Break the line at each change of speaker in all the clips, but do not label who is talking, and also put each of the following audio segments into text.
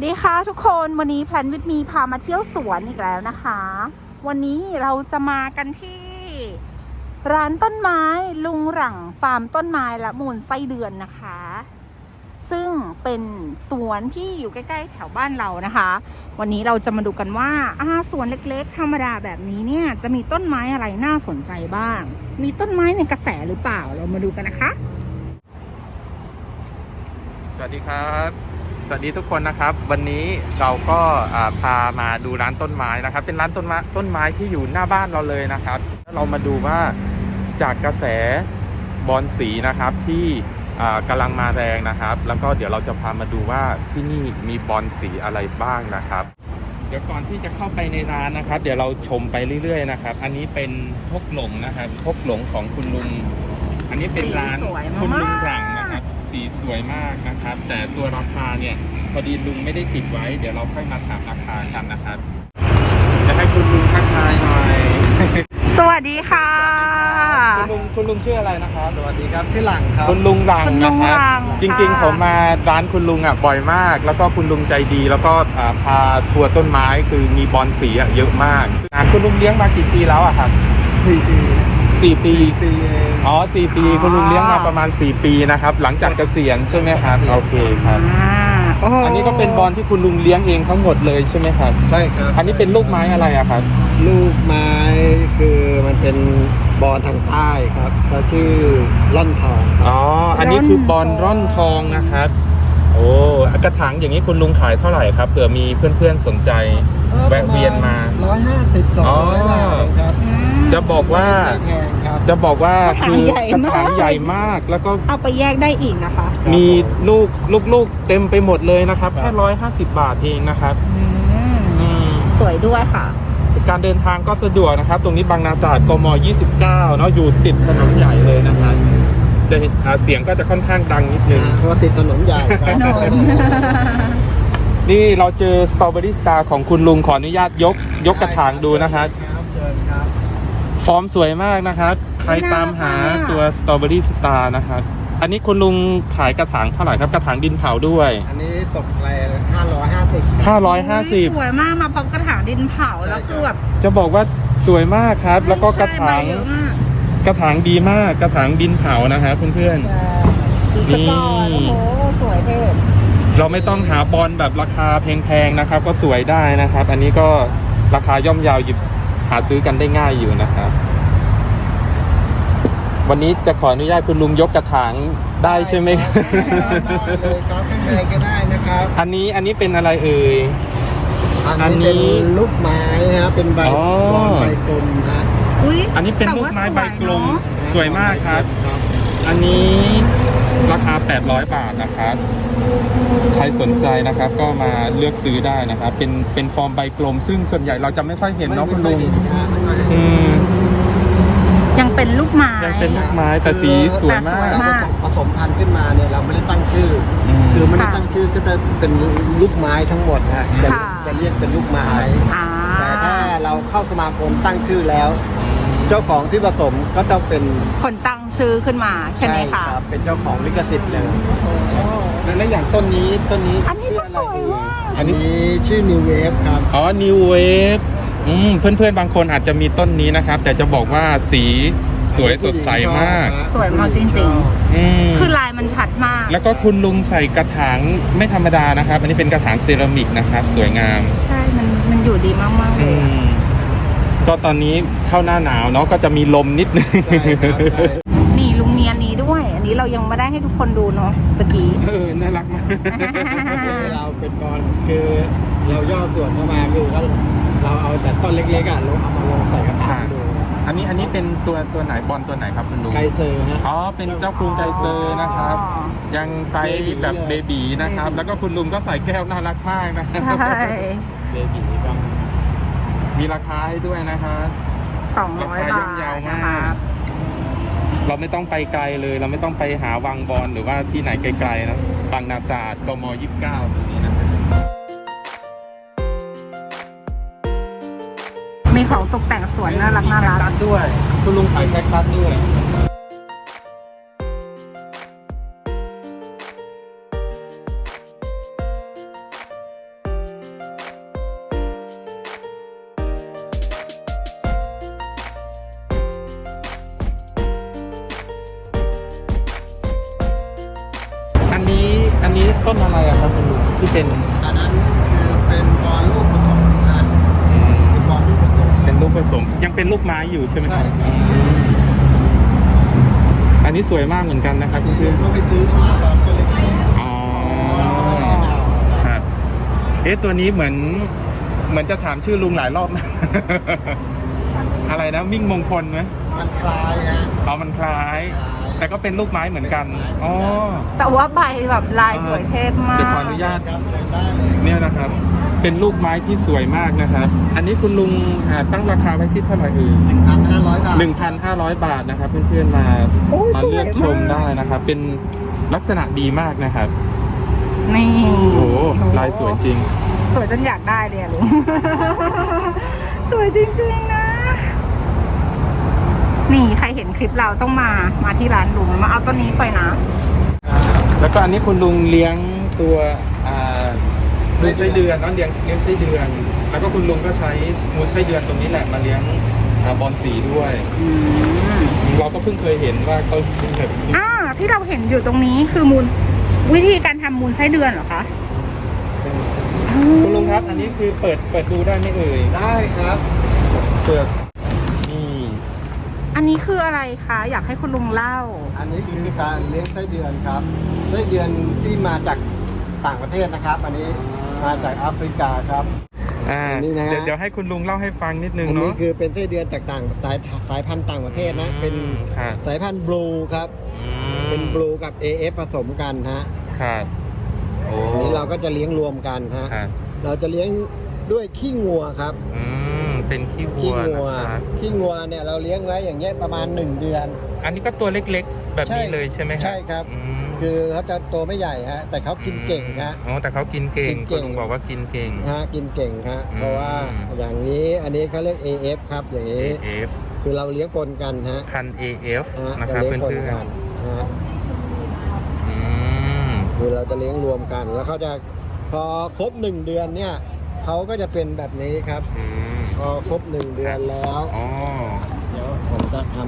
ดีค่ะทุกคนวันนี้แพลนวิทมีพามาเที่ยวสวนอีกแล้วนะคะ วันนี้เราจะมากันที่ร้านต้นไม้ลุงหรั่งฟาร์มต้นไม้และมูลไส้เดือนนะคะ ซึ่งเป็นสวนที่อยู่ใกล้ๆแถวบ้านเรานะคะ วันนี้เราจะมาดูกันว่าสวนเล็กๆธรรมดาแบบนี้เนี่ยจะมีต้นไม้อะไรน่าสนใจบ้างมีต้นไม้ในกระแสหรือเปล่าเรามาดูกันนะคะ
สวัสดีครับสวัสดีทุกคนนะครับวันนี้เราก็พามาดูร้านต้นไม้นะครับเป็นร้านต้นไม้ที่อยู่หน้าบ้านเราเลยนะครับเรามาดูว่าจากกระแสบอนสีนะครับที่กำลังมาแรงนะครับแล้วก็เดี๋ยวเราจะพามาดูว่าที่นี่มีบอนสีอะไรบ้างนะครับเดี๋ยวก่อนที่จะเข้าไปในร้านนะครับเดี๋ยวเราชมไปเรื่อยๆนะครับอันนี้เป็นพกหลงนะครับพกหลงของคุณลุงอันนี้เป็นร้านคุณลุงหลังนะครับสีสวยมากนะครับแต่ตัวราคาเนี่ยพอดีลุงไม่ได้ติดไว้เดี๋ยวเราค่อยมาถามราคากันนะครับจะให้คุณลุงทักทายหน่อย
สวัสดีค่ะ
คุณลุงชื่ออะไรนะครับ
สวัสดีครับชื่อหลังครับ
คุณลุงหลังนะครับจริงๆผมมาร้านคุณลุงบ่อยมากแล้วก็คุณลุงใจดีแล้วก็พาทัวร์ต้นไม้คือมีบอนสีเยอะมากคุณลุงเลี้ยงมากี่ปีแล้วครับ
4 ปี
4 ปีอ๋อ4 ปีคุณลุงเลี้ยงมาประมาณ4 ปีนะครับหลังจากเกษียณใช่ไหมครับโอเคครับอันนี้ก็เป็นบอลที่คุณลุงเลี้ยงเองทั้งหมดเลยใช่ไหมครับ
ใช่ครับ
อันนี้เป็นลูกไม้อะไรครับ
ลูกไม้คือมันเป็นบอลทางใต้ครับเขาชื่อร่อนทอง
อ๋ออันนี้คือบอลร่อนทองนะครับโอ้กระถางอย่างนี้คุณลุงขายเท่าไหร่ครับเผื่อมีเพื่อนๆสนใจแวะเวียนมา
150-200 บาทครับ
จะบอกว่าคือกระถางใหญ่มากแล้วก็
เอาไปแยกได้อีกนะคะ
มีลูกเต็มไปหมดเลยนะครับแค่150 บาทเองนะครับ
สวยด้วยค่ะ
การเดินทางก็สะดวกนะครับตรงนี้บางนาตราดกม29เนาะอยู่ติดถนนใหญ่เลยนะครับจะเสียงก็จะค่อนข้างดังนิดนึง
เพราะติดถนนใหญ่
นี่เราเจอสตรอเบอรี่สตาร์ของคุณลุงขออนุญาตยกกระถางดูนะครับฟอร์มสวยมากนะครับใครตามหาตัวสตรอเบอรี่สตาร์นะครับอันนี้คุณลุงขายกระถางเท่าไหร่ครับกระถางดินเผาด้วย
อันนี้ตกไป550
สวยมากมาพร้อมกระถางดินเผาแล้วคือแบบ
จะบอกว่าสวยมากครับแล้วก็กระถางดีมากกระถางดินเผานะครับเพื่อน
ๆนี่โอ้โหสวยเท่
เราไม่ต้องหาบอลแบบราคาแพงๆนะครับก็สวยได้นะครับอันนี้ก็ราคาย่อมเยาหยิบหาซื้อกันได้ง่ายอยู่นะครับวันนี้จะขออนุญาตคุณลุงยกกระถางได้ใช่ไหม
ครับข้างในก็ได้นะครับ
อันนี้เป็นอะไรเอ่ย
อันนี้เป็นลูกไม้นะครับเป็นใบกลมนะ
อันนี้เป็นลูกไม้ใบกลมสวยมากครับอันนี้ราคา800 บาทนะครับใครสนใจนะครับก็มาเลือกซื้อได้นะครับเป็นฟอร์มใบกลมซึ่งส่วนใหญ่เราจะไม่ค่อยเห็นเนาะคุณลุง
ยังเป็นลูกไม้
แต่สีสวยมาก
ผสมพันธุ์ขึ้นมาเนี่ยเราไม่ได้ตั้งชื่อคือไม่ได้ตั้งชื่อก็จะเป็นลูกไม้ทั้งหมดนะจะเรียกเป็นลูกไม้แต่ถ้าเราเข้าสมาคมตั้งชื่อแล้วเจ้าของที่ผสมก็ต้องเป็น
คนตั้งชื่อขึ้นมาใช่ไหมคะ
ครับเป็นเจ้าของลิขสิทธิ์เลย
และอย่างต้นนี้
อันนี้ก็สวยมาก
อันนี้ชื่อ New Wave ครับ
อ๋อ New Wave เพื่อนๆบางคนอาจจะมีต้นนี้นะครับแต่จะบอกว่าสีสวยสดใสมาก
สวยมากจริงๆคือลายมันชัดมาก
แล้วก็คุณลุงใส่กระถางไม่ธรรมดานะครับอันนี้เป็นกระถางเซรามิกนะครับสวยงาม
ใช่มันอยู่ดีมากๆเลย
ก็ตอนนี้เข้าหน้าหนาวเนาะก็จะมีลมนิดนึง
นี่ลุงเนียนนี้ด้วยอันนี้เรายังไม่ได้ให้ทุกคนดูเนาะตะกี้
น่ารักมาก
เราเป็นบอลคือเราย่อส่วนเข้ามาคือเราเอาแต่ต้นเล็กๆเราเอามาลงใส่กระถางดู
อันนี้เป็นตัวไหนบอลตัวไหนครับคุณลุง
ไกเซอร์ฮะ
อ๋อเป็นเจ้ากรุงไกเซอร์นะครับยังไซส์แบบเบบีนะครับแล้วก็คุณลุงก็ใส่แก้วน่ารักมากนะ
ใช่
เบบีก็มีราคาให้ด้วยนะครับ
200 บาทนะครับ
เราไม่ต้องไปไกลเลยเราไม่ต้องไปหาวังบอลหรือว่าที่ไหนไกลๆนะบางนาตราดกม29ตรงนี้นะครับ
มีของตกแต่งสวนน่ารัก
ด้วยคุณลุงขายแคคตัสด้วยต้นอะไรอะครับคุณลุงที่เป็น
อันนั้นคือเป็นบอลลูกผสมนะเป็นบอลลูกผสม
เป็นลูกผสมยังเป็นลูกไม้อยู่ใช่ไหมค
ใช่
รับ
ครับ
อันนี้สวยมากเหมือนกันนะครับ
ที่
เพื่อน
ก็ไปซื้อเข้ามาตอนตัวเล็ก
ๆอ๋อ
ๆ
ครับตัวนี้เหมือนจะถามชื่อลุงหลายรอบนะ อะไรนะมิ่งมงคลไหม
มันคล้ายฮะ
มันคล้าย แต่ก็เป็นลูกไม้เหมือนกันอ๋อ
แต่ว่าใบแบบลายสวยเทพมา
เดี๋
ก
ยวขออนุญาต
ครับเดินได้เลย
เนี่ยนะครับ เป็นลูกไม้ที่สวยมากนะครับ อันนี้คุณลุงตั้งราคาไว้ที่เท่าไหร่เอ่ย
1,500 บาท
1,500 บาทนะครับ เพื่อนๆมา
โอ้ย
มา
สวย
เลือกชม
มาก
ได้นะครับ เป็นลักษณะดีมากนะครับ
นี่
โอ้โหลายสวยจริง
สวยจนอยากได้เลยอะลุง สวยจริงๆนะ นี่ใครเห็นคลิปเราต้องมาที่ร้านลุงมาเอาต้นนี้ไปนะ
แล้วก็อันนี้คุณลุงเลี้ยงตัวมูลไส้เดือนเนาะเลี้ยงไส้เดือน แล้วก็คุณลุงก็ใช้มูลไส้เดือนตรงนี้แหละมาเลี้ยงบอลสีด้วย เราก็เพิ่งเคยเห็นว่าเขาแบบ
ที่เราเห็นอยู่ตรงนี้คือวิธีการทำมูลไส้เดือนเหรอคะ
คุณลุงครับ อันนี้คือเปิดดูได้ไหมเอ่ย
ได้ครับ
เปิดนี่
อันนี้คืออะไรคะอยากให้คุณลุงเล่า
อันนี้คือการเลี้ยงไส้เดือนครับไส้เดือนที่มาจากต่างประเทศนะครับ อันนี้มาจากแอฟริกาครับ อันนี้นะฮะ
เดี๋ยวให้คุณลุงเล่าให้ฟังนิดนึง
อันนี้
เนาะ
คือเป็นไส้เดือนจากต่างสายพันธุ์ต่างประเทศนะ เป็น
ครับ
สายพันธุ์บลูครับ เป็นบลูกับ AF ผสมกันฮะ
ครับโอ้
อันนี้เราก็จะเลี้ยงรวมกันฮะ
ครับ
เราจะเลี้ยงด้วยขี้งัวครับ
เป็นขี้วั
ขี้
ว
งัว
นะครับ
ขี้งัวเนี่ยเราเลี้ยงไว้อย่างเงี้ยประมาณ1 เดือน
อันนี้ก็ตัวเล็กๆ แบบนี้เลยใช่ไหมครับ
ใช่ครับ
อืม
คือเขาจะตัวไม่ใหญ่ฮะ แต่เขากินเก่งฮะ
อ๋อแต่เขากินเก่ง
กินเก่
คุณ
ง
ลุงบอกว่ากินเก่ง
ฮะกินเก่งฮะ
อืม
เพราะว่าอย่างนี้อันนี้เขาเรียก AF ครับ อย่างนี้
AF
คือเราเลี้ยงปนกันฮะ
พัน AF
ฮะ
นะครับ
จะ
เพื่
เลี้ยงปน
อน
กันฮะ
ๆอืม
คือเราจะเลี้ยงรวมกัน แล้วเขาจะพอครบ1 เดือนเนี่ยเขาก็จะเป็นแบบนี้ครับ
อืม
พอครบ1 เดือนแล้ว
อ๋อ
เดี๋ยวผมจะทำ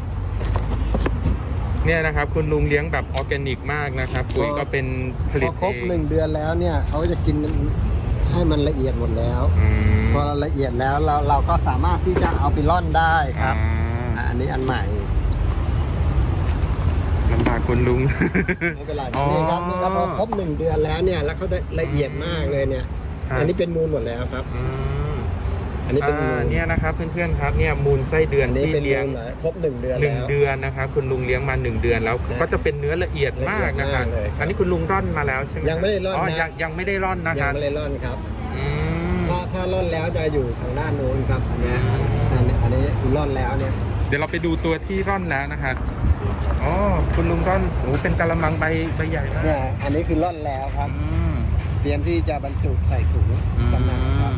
เนี่ยนะครับ คุณลุงเลี้ยงแบบออร์แกนิกมากนะครับปุ๋ยก็เป็นผลิ
พ
ต
อครบ
เอง
1 เดือนแล้วเนี่ยเขาจะกินให้มันละเอียดหมดแล้ว
อืม
พอละเอียดแล้วเราก็สามารถที่จะเอาไปร่อนได้ครับ อันนี้อันใหม่
ลำบากคุณลุง
ไม่เป็นไร
อ๋อ
นี่ครับนี่ครับพอครบ1 เดือนแล้วเนี่ยแล้วเขาได้ละเอียดมากเลยเนี่ย
ครับ
อันนี้เป็นมูลหมดแล้วครับ
อืม
อันนี้เป็นมูล
เนี่ยนะครับเพื่อนๆครับเนี่ยมูลไส้เดือน
อันนี้
ที่
เป็น
เลี้ยง
มูลครบ1 เดือน
หนึ่ง
แล้ว
เดือนนะครับคุณลุงเลี้ยงมา1 เดือนแล้วก็จะเป็นเนื้อละเอียดมากนะครับ
ละเอียดมากเลยครับ
อันนี้คุณลุงร่อนมาแล้วใช่ไหม
ยังไม่ได้ร่อนนะ
ยังไม่ได้ร่อนนะค
ยั
รั
ง
บ
ไม่ได้ร่อนครับ
อืม
ถ้าร่อนแล้วจะอยู่ทางด้านโน้นครับอันเนี้ยอันนี้คือร่อนแล้วเนี่ย
เดี๋ยวเราไปดูตัวที่ร่อนแล้วนะครับอ๋อคุณลุงร่อนโอ้เป็นกะละมังใบใหญ่มาก
เนี่ยอันนี้คือร่อนแล้วครับ
อืม
เตรียมที่จะบรรจุใส่ถุงจำหน่ายครับ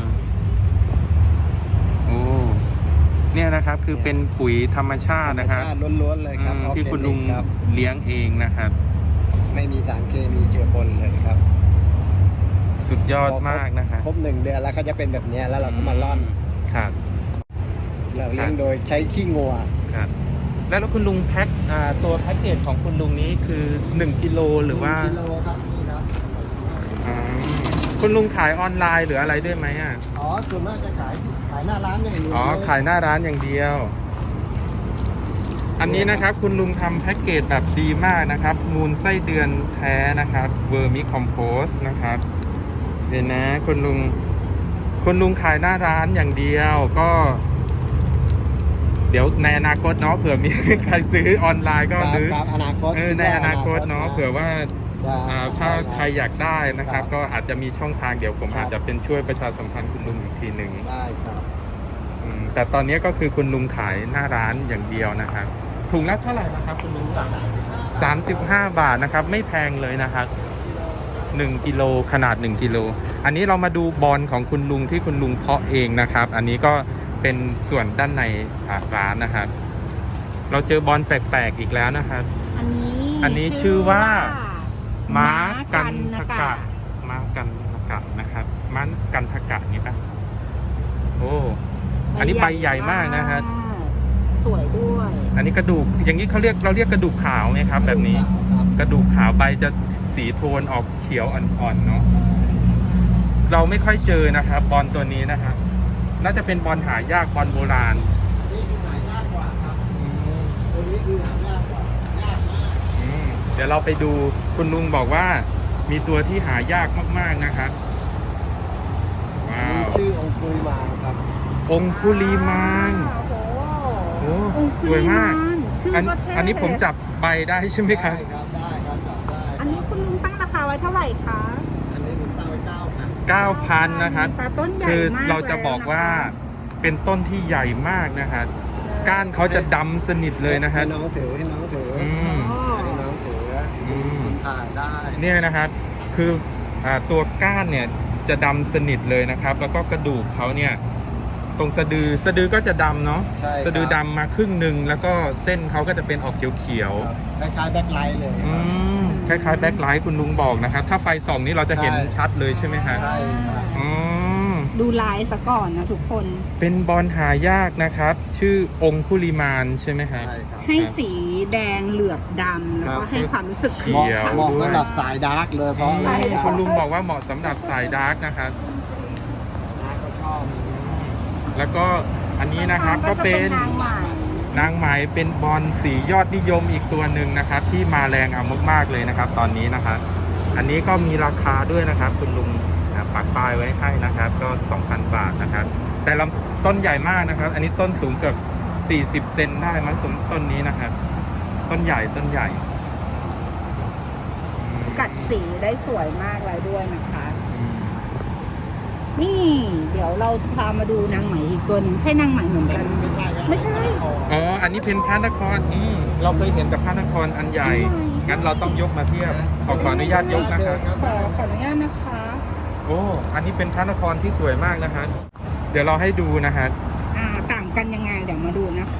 โอ้เนี่ยนะครับคือเป็นปุ๋ยธรรมชาตินะครับ
ธรรมชาติล้วนๆเลยครับ
ที่คุณลุง
ครับ
เลี้ยงเองนะครับ
ไม่มีสารเคมีเจือปนเลยครับ
สุดยอดมากนะครับ
ครบ1 เดือนแล้วก็จะเป็นแบบเนี้ยแล้วเราก็มาร่อน
ครับ
เราเลี้ยงโดยใช้ขี้งัว
ครับ แล้วคุณลุงแพ็คตัวแพ็กเกจของคุณลุงนี้คือ1 กิโลหรือว่า
กิโลครับนี่ครับ
อ่าคุณลุงขายออนไลน์หรืออะไรด้วยไหมอ่ะ
อ๋อส่วนมากจะขายหน้าร้านอย่างเดียว
อ๋อขายหน้าร้านอย่างเดียว อันนี้นะครับคุณลุงทำแพ็กเกจแบบดีมากนะครับ มูลไส้เดือนแท้นะครับเวอร์มิคอมโพสนะครับเห็นนะคุณลุงขายหน้าร้านอย่างเดียวก็ เดี๋ยวในอนาคตเนาะเผื่อมี ใครซื้อออนไลน์ก็
ครับ
หรือ
ครับอนาคต
ในอนาคตเนาะเผื่อว่า ถ้าใครอยากได้นะครับ
ครับ
ก็อาจจะมีช่องทางเดี๋ยวผม
ครับ
อาจจะเป็นช่วยประชาสัมพันธ์คุณลุงอีกทีหนึ่ง
ได้ครับ
แต่ตอนนี้ก็คือคุณลุงขายหน้าร้านอย่างเดียวนะครับถุงละเท่าไหร่นะครับคุณลุง35 บาทนะครับ ไม่แพงเลยนะครับ1 กิโลขนาด1 กิโลอันนี้เรามาดูบอลของคุณลุงที่คุณลุงเพาะเองนะครับ อันนี้ก็เป็นส่วนด้านในร้านนะครับ เราเจอบอลแปลกๆอีกแล้วนะครับ อันนี้ชื่อว่า ม้ากันทกะม้ากันทกะนะครับม้ากันทกะนี่ปะโอ้อันนี้ใบใหญ่มากนะฮะ
สวยด้วย
อันนี้กระดูกอย่างนี้เราเรียกกระดูกขาวไหมครับ แบบนี้
ครับ
กระดูกขาวใบจะสีโทนออกเขียวอ่อนๆเนาะเราไม่ค่อยเจอนะครับบอลตัวนี้นะครับน่าจะเป็นบอลหายากบอลโบราณ
นี่คือหายากกว่าครับตัวนี้คือหายากกว่ายากมาก
เดี๋ยวเราไปดูคุณลุงบอกว่ามีตัวที่หายากมากๆนะครับ
อั
ว้าน
นี้
ว
ชื่อองคุยมาครับ
องคุลีมาน
โอ้โห
โอ้สวยมาก
ชื่อ
อัน
ก็เท่
อันนี้ผมจับใบได้ใช่ไหมครับ
ได้ครับได้ครับจับได้
อันนี้คุณลุงตั้งราคาไว้เท่าไหร่คะ
อันนี้ผมตั้งไว้9,000
9,000 นะครับ
แต่ต้นใหญ่
คือ
มาก
เราจะบอกว่าเป็นต้นที่ใหญ่มากนะครับก้านเขาจะดำสนิทเลยนะครับ
ให้น้องถือให้น้องถือ
อืม
ให้น้องถือ
อืม
คุณถ่ายได้
เนี่ยนะครับคือตัวก้านเนี่ยจะดำสนิทเลยนะครับ แล้วก็กระดูกเขาเนี่ยตรงสะดือก็จะดำเนาะ
ใช่ครับ
สะดือดำมาครึ่งหนึ่งแล้วก็เส้นเขาก็จะเป็นออกเขียว
ครับคล้ายๆแบ็คไลท์เลย
ๆ
ครับ
คล้ายๆแบ็คไลท์คุณลุงบอกนะครับ ถ้าไฟส่องนี้เราจะเห็น
ใช่
ชัดเลยใช่ไหมฮะ
ใช่ครับ
อ๋อ
ดูลายซะก่อนนะทุกคน
เป็นบอลหายากนะครับ ชื่อองคุลิมานใช่ไหมฮะ
ใช่ครับ
ให้สีแดงเหลือบดำแล้ว
ครั
ก็
บ
ให้ความรู้สึก
เขี
เหมาะ
ยว
เหมาะสำหรับสายดาร์กเลยเพราะอะไร
คุณลุงบอกว่าเหมาะสำหรับสายดาร์กนะครับ
ดาร์กเขาชอบ
แล้วก็อันนี้นะครับก็เป็น
นางใหม่
นางไหมเป็นบอลสียอดนิยมอีกตัวหนึ่งนะครับ ที่มาแรงเอามากๆเลยนะครับ ตอนนี้นะครับ อันนี้ก็มีราคาด้วยนะครับ คุณลุงปักป้ายไว้ให้นะครับ ก็ 2,000 บาทนะครับ แต่ลำต้นใหญ่มากนะครับ อันนี้ต้นสูงเกือบ40 เซนได้มั้งต้นนี้นะครับ ต้นใหญ่อืม
กัดสีได้สวยมากเลยด้วยนะคะ
อืม
นี่เดี๋ยวเราจะพามาดูนางไหมอีกตัวหนึ่งใช่นางไหมเหมือนกัน
ไม่ใช่ครับ
ไม่ใช่
อ๋ออันนี้เป็นพระนครเราเคยเห็นแต่พระนครอันใหญ่
ใช่
งั้นเราต้องยกมาเทียบขออนุญาตยกนะครับ
ขออนุญาตนะคะ
โอ้ อันนี้เป็นพระนครที่สวยมากนะฮะ เดี๋ยวเราให้ดูนะฮะ
ต่างกันยังไงเดี๋ยวมาดูนะคะ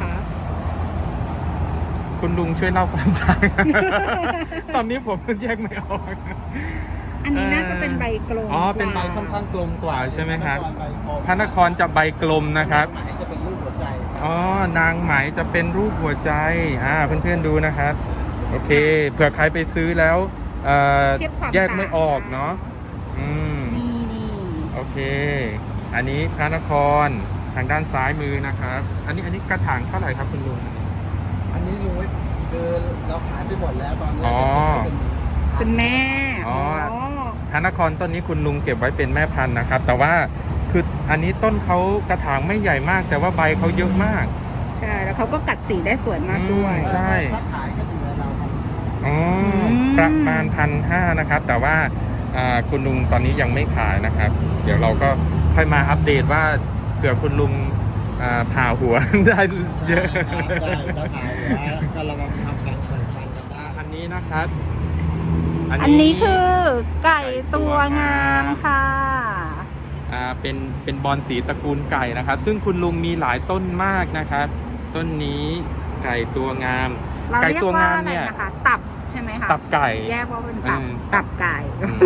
คุณลุงช่วยเล่าความต่าง ตอนนี้ผมแยกไม่ออก
อันนี้น่าจะเป็นใบกลม
อ๋อ เป็นใบค่อนข้างกลมกว่าใช่ไหมครับ
พ
พระนครจะใบกลมนะครับ
หมายจะเป็นรูปหัวใจ
อ๋อ นางไหมจะเป็นรูปหัวใจ เพื่อนๆดูนะครับ โอเค เผื่อใครไปซื้อแล้วแยกไม่ออกเนาะ อืม
นี่
โอเค อันนี้พระนครทางด้านซ้ายมือนะครับ อันนี้กระถางเท่าไหร่ครับคุณลุง
อันนี้ลุงไว้คือเราขายไปหมดแล้วตอนนี้
อ๋อ
เป็นแม่
อ๋อ พระนครต้นนี้คุณลุงเก็บไว้เป็นแม่พันธุ์นะครับ แต่ว่าคืออันนี้ต้นเขากระถางไม่ใหญ่มาก แต่ว่าใบเขาเยอะมาก
ใช่แล้วเขาก็กัดสีได้สวยมากด้วย
ใช่
ถ้าขายก็อยู่ในเราครับ
อ๋อประมาณ1,500นะครับ แต่ว่าคุณลุงตอนนี้ยังไม่ขายนะครับ เดี๋ยวเราก็ค่อยมาอัปเดตว่าเผื่อคุณลุงผ่าหัว ได้เยอะ
ได้ถ้าขายเหลือก็เรามาทำการใส่ฟันกันได้
อันนี้นะครับ
อันนี้คือไก่ตัวงามค่ะ
เป็นบอลสีตระกูลไก่นะครับ ซึ่งคุณลุงมีหลายต้นมากนะครับ ต้นนี้ไก่ตัวงาม
เรา
ไก่
เรียก
ตัวา
ว่างอะ
ม
ไร
เนี่ย
นะคะ ตับใช่ไหมคะ
ตับไก่
แยกว่าเป็นตับ
อืม
ตับไก่
อืม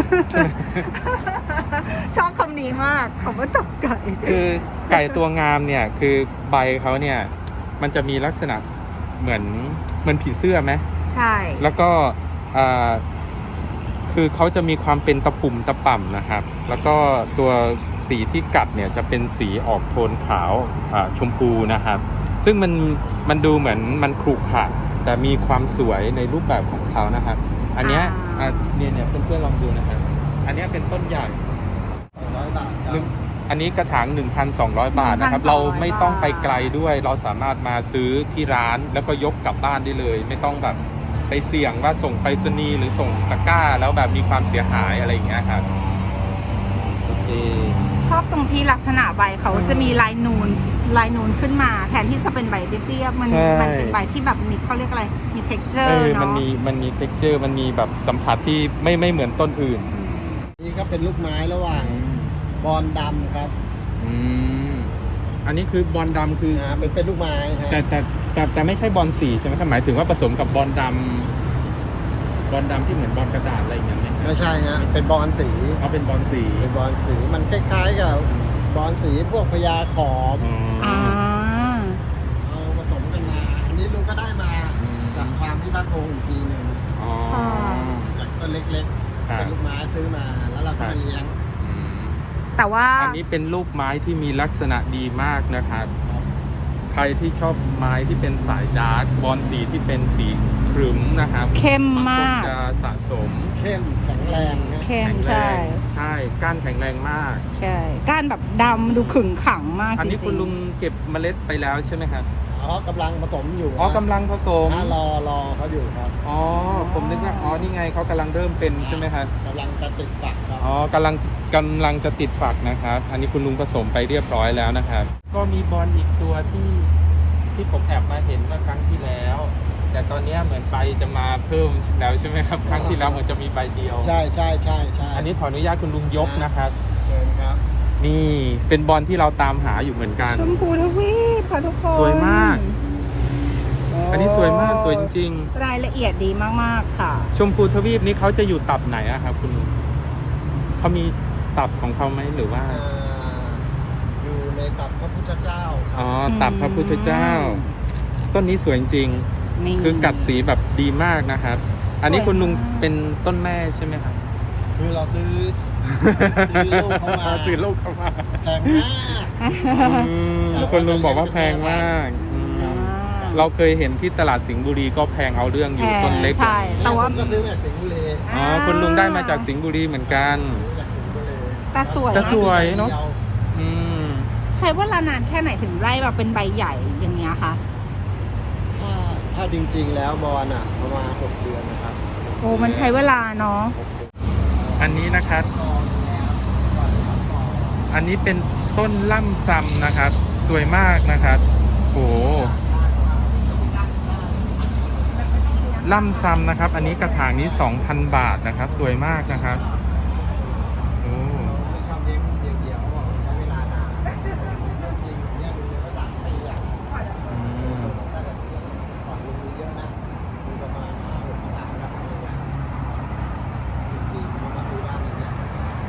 ชอบคำนี้มากคำว่าตับไก่
คือไก่ตัวงามเนี่ยคือใบเขาเนี่ยมันจะมีลักษณะเหมือนผีเสื้อไหม
ใช่
แล้วก็คือเขาจะมีความเป็นตะปุ่มตะป่ำนะครับ แล้วก็ตัวสีที่กัดเนี่ยจะเป็นสีออกโทนขาวชมพูนะครับ ซึ่งมันดูเหมือนมันขรุขระแต่มีความสวยในรูปแบบของเขานะครับ อันเนี้ยเนี่ยเพื่อนๆลองดูนะครับ อันเนี้ยเป็นต้นใหญ่
100 บาทครับ
อันนี้กระถาง 1,200 บาทนะครับ
1,200
เราไม่ต้องไปไกลด้วย เราสามารถมาซื้อที่ร้านแล้วก็ยกกลับบ้านได้เลย ไม่ต้องแบบไปเสี่ยงว่าส่งไปรษณีย์หรือส่งตะกร้าแล้วแบบมีความเสียหายอะไรอย่างเงี้ยครับ โอเค
ชอบตรงที่ลักษณะใบเขาจะมีลายนูนขึ้นมา แทนที่จะเป็นใบเรียบๆมัน
ใช่
เป็นใบที่แบบมีเขาเรียกอะไรมี texture
มัน
เนาะ
มี texture มันมีแบบสัมผัสที่ไม่เหมือนต้นอื่น
นี่ก็เป็นลูกไม้ระหว่างบอลดำครับ
อืมอันนี้คือบอลดำคือ
เป็นลูกไม้ฮะ
แต่ไม่ใช่บอลสีใช่ไหมครับหมายถึงว่าผสมกับบอลดำที่เหมือนบอลกระดาษอะไรอย่างเงี้ยไหม
ไม่ใช่ฮะเป็นบอลสี
เอาเป็นบอลสี
เป็นบอลสีมันคล้ายๆกับบอลสีพวกพญาขอม
อ่า
เอาผสมกันมา อันนี้ลุงก็ได้มาจากฟาร์มที่บ้านโพงอีกทีหนึ่ง
อ๋อ
ค่ะ
ซื้อมาแล้วเราก็มาเลี้ยง
อืม
แต่ว่า
อันนี้เป็นรูปไม้ที่มีลักษณะดีมากนะครับ ใครที่ชอบไม้ที่เป็นสายดาร์กบอลสีที่เป็นสีครึ้มนะครับ
เข้ม
บาง
มา
คน
ก
จะสะสม
เข้มแข็งแรงนะ
เข้ม
แข็งแร
ใช่
งใช่ก้านแข็งแรงมาก
ใช่ก้านแบบดำดูขึงขังมาก
อันนี้
จริงๆ
คุณลุงเก็บเมล็ดไปแล้วใช่ไหมครับ
อ๋อกำลังผสมอยู่
อ๋อกำลังผสม
รอเขาอยู่ครับ
อ๋อผมนึกว่าอ๋อนี่ไงเขากำลังเริ่มเป็นใช่ไหมครับ
กำลังจะติดฝักครับ
อ๋อกำลังจะติดฝักนะครับ อันนี้คุณลุงผสมไปเรียบร้อยแล้วนะครับ ก็มีบอลอีกตัวที่ผมแอบมาเห็นเมื่อครั้งที่แล้ว แต่ตอนนี้เหมือนใบจะมาเพิ่มแล้วใช่ไหมครับ ครั้งที่แล้วเหมือนจะมีใบเดียว
ใช่ใช่ใช่ใช่
อันนี้ขออนุญาตคุณลุงยกนะครับ
เชิญครับ
นี่เป็นบอลที่เราตามหาอยู่เหมือนกัน
ชมพูทวีปค่ะทุกคน
สวยมาก
โอ้
อันนี้สวยมากสวยจริง
รายละเอียดดีมากๆค่ะ
ๆชมพูทวีปนี้เขาจะอยู่ตับไหนอะครับคุณลุงเขามีตับของเขาไหมหรือว่า
อยู่ในตับพระพุทธเจ้าค
อ๋
รั
อบ ตับพระพุทธเจ้า ต้นนี้สวยจริง
นี่
คือกัดสีแบบดีมากนะครับ อันนี้คุณลุงเป็นต้นแม่ใช่ไหมครับ
คือเราซื้อลูกเขามา
ซื้อลูกเข้ามา
แพงมาก
คุณลุงบอกว่าแพงมากอืม
อ่า
เราเคยเห็นที่ตลาดสิงห์บุรีก็แพงเอาเรื่องอยู่ต้นเล็ก
ใช่ แต่ว่า
ผมก็ซื้อมาจากสิงห์บุรี
อ๋อคุณลุงได้มาจากสิงห์บุรีเหมือนกัน
ซื้อจากสิงห์บุรี
แต่สวย
แต่สวยเนอะ อืม
ใช้เวลานานแค่ไหนถึงไล่แบบเป็นใบใหญ่อย่างเงี้ยคะ
ถ้าจริงๆแล้วบอลอ่ะประมาณ6 เดือนนะครับ
โอ้มันใช้เวลาเนาะ
อันนี้นะครับ อันนี้เป็นต้นล่ำซำนะครับ สวยมากนะครับโหล่ำซำนะครับ อันนี้กระถางนี้ 2,000 บาทนะครับ สวยมากนะครับโอ้
ไม่ชอบเลี้ยงเดี่ยวๆเขาบอกใช้เวลานานจริงๆเนี่ยดูเลยว่า3 ปีอ่ะ
อืม
ถ้าแบบก่อนลงมือเยอะนะมีประมาณ5-6 กระถางครับจริงๆมันมาซื้อบ้านอย่างเงี้ย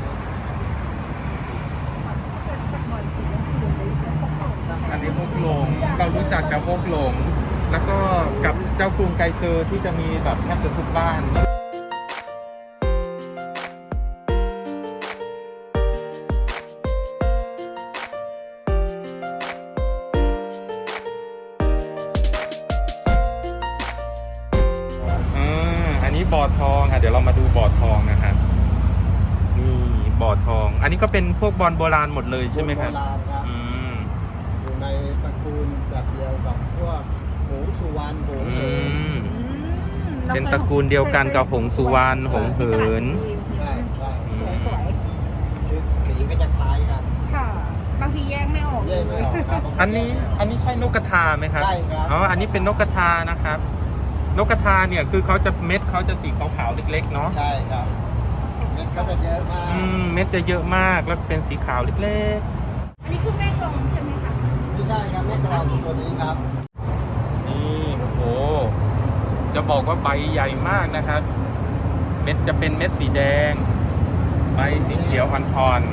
อันนี้ฮกหลงเรารู้จักกับฮกหลง แล้วก็กับเจ้ากรุงไกเซอร์ที่จะมีแบบแทบจะทุกบ้าน อันนี้บ่อทองค่ะเดี๋ยวเรามาดูบ่อทองนะครับนี่บ่อทอง อันนี้ก็เป็นพวกบอลโบราณหมดเลยใช่ไหมครับ
โบราณครับ
อืม
อยู่ในตระกูลแบบเดียวกับพวกหงส์สุวรรณหงส์
อื
เหิน
ม เป็นตระกูลเดียวกันกับหงสุวรรณหงเหิน
ใช่ใช่
สวย
ชื่อสีก็จะคล้ายกัน
ๆค่ะ บางทีแยกไม่ออก
แยกไม่ออกครับ
อันนี้ใช่นกกระทาไหมครับ
ใช่ครับ
อ๋อ อันนี้เป็นนกกระทานะครับ นกกระทาเนี่ยคือเขาจะเม็ดเขาจะสีขาวๆเล็กๆเนาะ
ใช่ครับเม็ดก็จะเยอะมาก
เม็ดจะเยอะมากแล้วเป็นสีขาวเล็ก
อันนี้คือแม่กลองใช่ไหมคะ
ไม่ใช่ครับแม่กลองตัวนี้ครับ
ๆ นี่โอ้โห จะบอกว่าใบใหญ่มากนะครับ เม็ดจะเป็นเม็ดสีแดง ใบสีเขียวอ่อน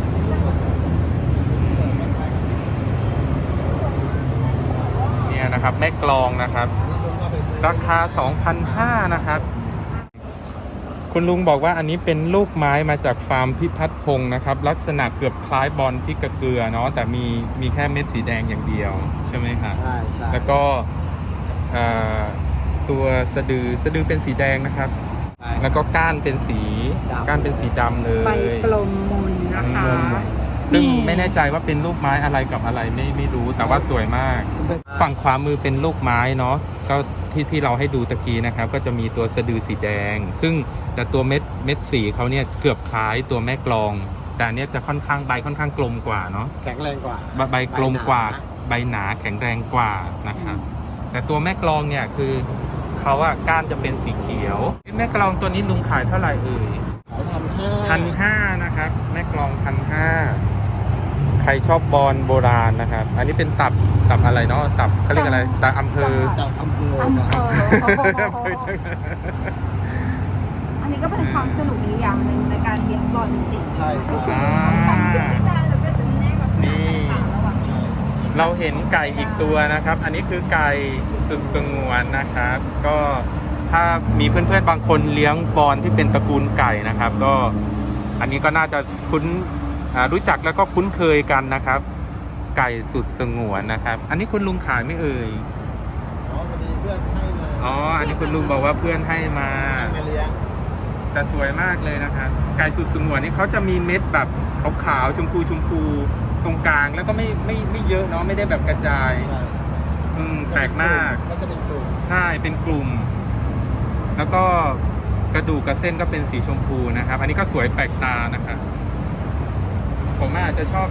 ๆ เนี่ยนะครับ แม่กลองนะครับ ราคา 2,500 นะครับ คุณลุงบอกว่าอันนี้เป็นลูกไม้มาจากฟาร์มพิพัฒน์พงศ์นะครับ ลักษณะเกือบคล้ายบอลพริกกระเกลือเนาะแต่มีแค่เม็ดสีแดงอย่างเดียวใช่ไหมครับ
ใช่ใช่
แล้วก็ตัวสะดือเป็นสีแดงนะครับ
ใช่
แล้วก็ก้านเป็นสีดำเลย
ใบกลมมนนะคะ
ซึ่งไม่แน่ใจว่าเป็นลูกไม้อะไรกับอะไรไม่รู้แต่ว่าสวยมาก ฝั่งขวามือเป็นลูกไม้เนาะก็ที่เราให้ดูตะกี้นะครับ ก็จะมีตัวสะดือสีแดง ซึ่งแต่ตัวเม็ดสีเขาเนี่ยเกือบคล้ายตัวแม่กลอง แต่อันเนี้ยจะค่อนข้างใบค่อนข้างกลมกว่าเนาะ
แข็งแรงกว่า
ใบกลมกว่าใบหนาแข็งแรงกว่านะครับ แต่ตัวแม่กลองเนี่ยคือเขาอะก้านจะเป็นสีเขียวแม่กลองตัวนี้ลุงขายเท่าไหร่เอ่ย
ขาย1,500
1,500นะครับแม่กลอง 1,500ใครชอบบอลโบราณนะครับ อันนี้เป็นตับอะไรเนาะตับเขาเรียกอะไรตับอำเภอ
จากอำเภอ
อำเภ
ครับ
อ
อำเภอใช่ไหม
อันนี้ก็เป็นความสนุกอีกอย่างหนึ่งในการเลี้ยงบอลสี
ใช่ครับ
จำชื่อไม่ได้แล้วก็จะแนกลักษณะต่างๆระหว่าง
ใช่
เราเห็นไก่อีกตัวนะครับ อันนี้คือไก่สุดสงวนนะครับ ก็ถ้ามีเพื่อนๆบางคนเลี้ยงบอลที่เป็นตระกูลไก่นะครับ ก็อันนี้ก็น่าจะรู้จักแล้วก็คุ้นเคยกันนะครับ ไก่สุดสงวนนะครับ อันนี้คุณลุงขายไม่เอ่ย
อ๋อพอดีเพื่อนให้มา
อ๋ออันนี้คุณลุงบอกว่าเพื่อนให้มา
ให้มาเลี้ยง
แต่สวยมากเลยนะครับ ไก่สุดสงวนนี่เขาจะมีเม็ดแบบขาวๆชมพูตรงกลางแล้วก็ไม่เยอะเนาะไม่ได้แบบกระจาย
ใช่
แปลกมาก
ก็จะเป็นกลุ่ม
ใช่เป็นกลุ่ม แล้วก็กระดูกกับเส้นก็เป็นสีชมพูนะครับ อันนี้ก็สวยแปลกตานะครับผมอาจจะชอ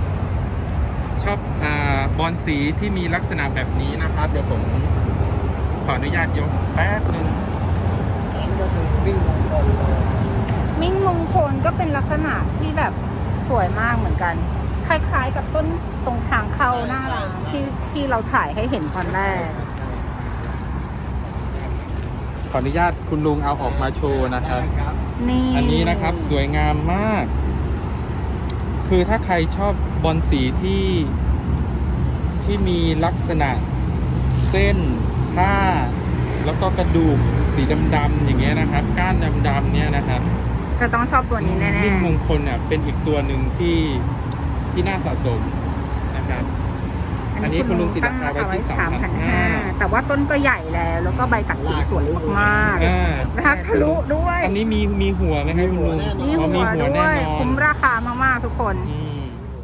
บบอลสีที่มีลักษณะแบบนี้นะครับ เดี๋ยวผมขออนุญาตยกแป๊บนึง
อันนี้ก็คือวิ่งมงคล
มิ่งมงคลก็เป็นลักษณะที่แบบสวยมากเหมือนกัน คล้ายๆกับต้นตรงทางเข้าหน้าร้านที่เราถ่ายให้เห็นตอนแรก
ขออนุญาตคุณลุงเอาออกมาโชว์นะครับ
ครับ
นี่
อันนี้นะครับสวยงามมาก คือถ้าใครชอบบอลสีที่มีลักษณะเส้นผ้าแล้วก็กระดูกสีดำๆอย่างเงี้ยนะครับ ก้านดำๆเนี่ยนะครับ
จะต้องชอบตัวนี้แน่
มิ่งมงคลเนี่ยเป็นอีกตัวหนึ่งที่น่าสะสมนะครับ
ๆ
อันนี้คุณลุงติดราคาไว้ที่
3,500 แต่ว่าต้นก็ใหญ่แล้วก็ใบตัดสีสวยมาก
3,500
ๆราคาทะลุด้วย
อันนี้มีหัวไหมครับคุณลุง
มี
อ๋อ
หัวด้
แน่
วย
นอน
คุ้มราคามากๆทุกคน
อืม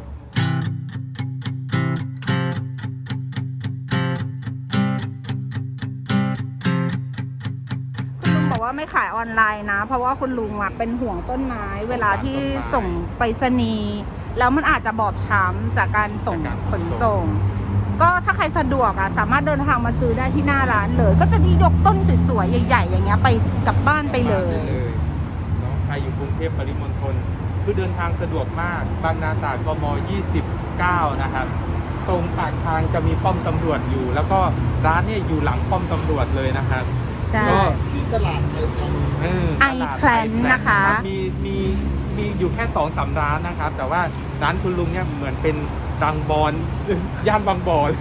คุณลุงบอกว่าไม่ขายออนไลน์นะ เพราะว่าคุณลุงอะเป็นห่วงต้นไม้ เวลาที่ส่งไปรษณีย์แล้วมันอาจจะบอบช้ำจากการส่งขนส่ง ก็ถ้าใครสะดวกอะสามารถเดินทางมาซื้อได้ที่หน้าร้านเลย ก็จะดียกต้นสวยๆใหญ่ๆอย่างเงี้ยไปกลับบ้านไปเลย
เนาะใครอยู่กรุงเทพปริมณฑลคือเดินทางสะดวกมากบางนาตราดกม29นะครับตรงปากทางจะมีป้อมตำรวจอยู่ แล้วก็ร้านเนี่ยอยู่หลังป้อมตำรวจเลยนะครับ
ใช่
ก็
ชื่อตลาดไทยแลนด์
ไอแพลนนะคะ
รับมีอยู่แค่2-3ร้านนะครับ แต่ว่าร้านคุณลุงเนี่ยเหมือนเป็นดังบอลย่านบางบ่อเลย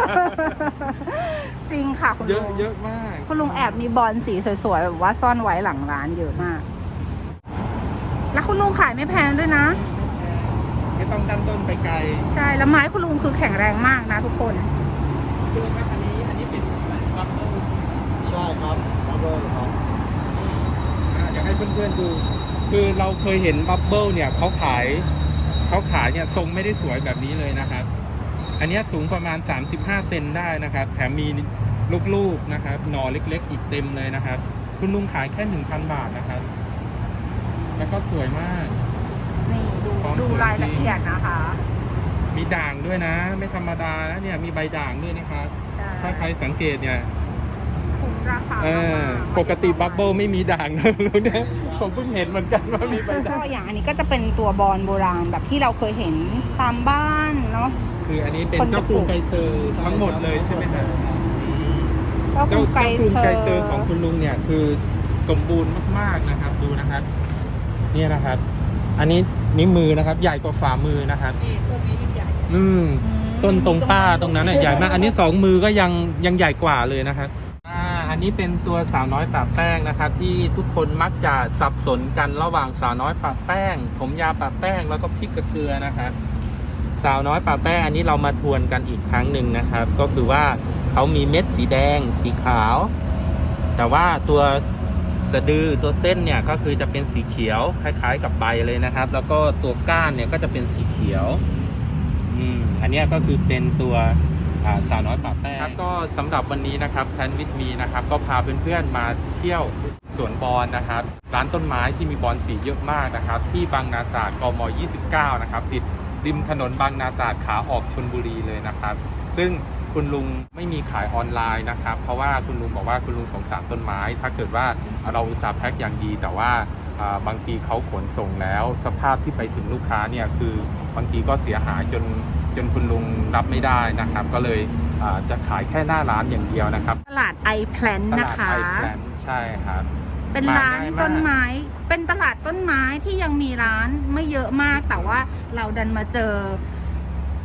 จริงค่ะคุณ
เย
ลุ
อะ
ง
เยอะมาก
คุณลุงแอบมีบอลสีสวยๆแบบว่าซ่อนไว้หลังร้านเยอะมาก แล้วคุณลุงขายไม่แพงด้วยนะ
ไม่ต้องตั้งต้นไปไกล
ใช่แล้วไม้คุณลุงคือแข็งแรงมากนะทุกคน
คือครับอันนี้เป็นบัฟเฟิล
ใช่ครับบับเบิ้ลครับ
อยากให้เพื่อนๆดู คือเราเคยเห็นบับเบิลเนี่ยเขาขายเนี่ยทรงไม่ได้สวยแบบนี้เลยนะครับ อันนี้สูงประมาณ35เซนได้นะครับ แถมมีลูกๆนะครับหน่อเล็กๆอีกเต็มเลยนะครับ คุณลุงขายแค่ 1,000 บาทนะครับ แล้วก็สวยมาก
นี่ดูรายละเอียดนะคะ
มีด่างด้วยนะ ไม่ธรรมดานะเนี่ยมีใบด่างด้วยนะครับ
ใช่
ถ้าใครสังเกตเนี่ย
คุ้มราคามากๆ
ปกติบับเบิลไม่มีด่างนะลุงเนี่ยผมเพิ่งเห็นเหมือนกันว่ามีใบ
ก็
ด่าง
อย่างอันนี้ก็จะเป็นตัวบอลโบราณแบบที่เราเคยเห็นตามบ้านเนาะ
คืออันนี้เป็นเจ้ากรุงไกเซอร์ทั้งหมดเลยใช่ไหมครับ
ก็
เจ้า
ไก
กรุง
เซ
ไก
อร์
เซอร์ของคุณลุงเนี่ยคือสมบูรณ์มากๆนะครับดูนะครับเนี่ยนะครับ อันนี้นิ้วมือนะครับ ใหญ่กว่าฝ่ามือนะครับ
นี่ต้นนี้ยิ่งใหญ่
ต้นตรงป้าตรงนั้นน่ะใหญ่มาก อันนี้2 มือก็ยังใหญ่กว่าเลยนะครับอันนี้เป็นตัวสาวน้อยปะแป้งนะครับ ที่ทุกคนมักจะสับสนกันระหว่างสาวน้อยปะแป้งผมยาวปะแป้งแล้วก็พริกกระเกลือนะครับสาวน้อยปะแป้งอันนี้เรามาทวนกันอีกครั้งหนึ่งนะครับ ก็คือว่าเขามีเม็ดสีแดงสีขาว แต่ว่าตัวสะดือตัวเส้นเนี่ยก็คือจะเป็นสีเขียวคล้ายๆกับใบเลยนะครับ แล้วก็ตัวก้านเนี่ยก็จะเป็นสีเขียวอันนี้ก็คือเป็นตัวสาวน้อยปะแป้งครับก็สำหรับวันนี้นะครับแพลนวิดมีนะครับก็พาเพื่อนๆมาเที่ยวสวนบอลนะครับร้านต้นไม้ที่มีบอลสีเยอะมากนะครับที่บางนาตราดกม29นะครับติดริมถนนบางนาตราดขาออกชลบุรีเลยนะครับซึ่งคุณลุงไม่มีขายออนไลน์นะครับเพราะว่าคุณลุงบอกว่าคุณลุงสงสารต้นไม้ถ้าเกิดว่าเราอุตส่าห์แพ็คอย่างดีแต่ว่าบางทีเขาขนส่งแล้วสภาพที่ไปถึงลูกค้าเนี่ยคือบางทีก็เสียหายจนคุณลุงรับไม่ได้นะครับก็เลยจะขายแค่หน้าร้านอย่างเดียวนะครับ
ตลาดไอแพลน
ต
นะ
ลาด
คะ
ไอแพลนใช่ครับ
เป็นร้านต้นไม้เป็นตลาดต้นไม้ที่ยังมีร้านไม่เยอะมากแต่ว่าเราดันมาเจอ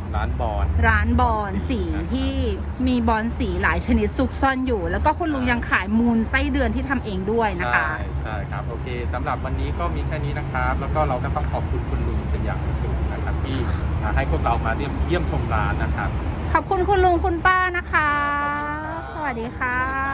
ร้านบอล
ร้านบอลสีที่มีบอลสีหลายชนิดซุกซ่อนอยู่ แล้วก็คุณลุงยังขายมูลไส้เดือนที่ทำเองด้วยนะคะ
ใช่ครับโอเคสำหรับวันนี้ก็มีแค่นี้นะครับ แล้วก็เราก็ต้องขอบคุณคุณลุงเป็นอย่างสูงนะครับที่ให้พวกเรามาเยี่ยมชมร้านนะครับ
ขอบคุณคุณลุงคุณป้านะคะ สวัสดีค่ะ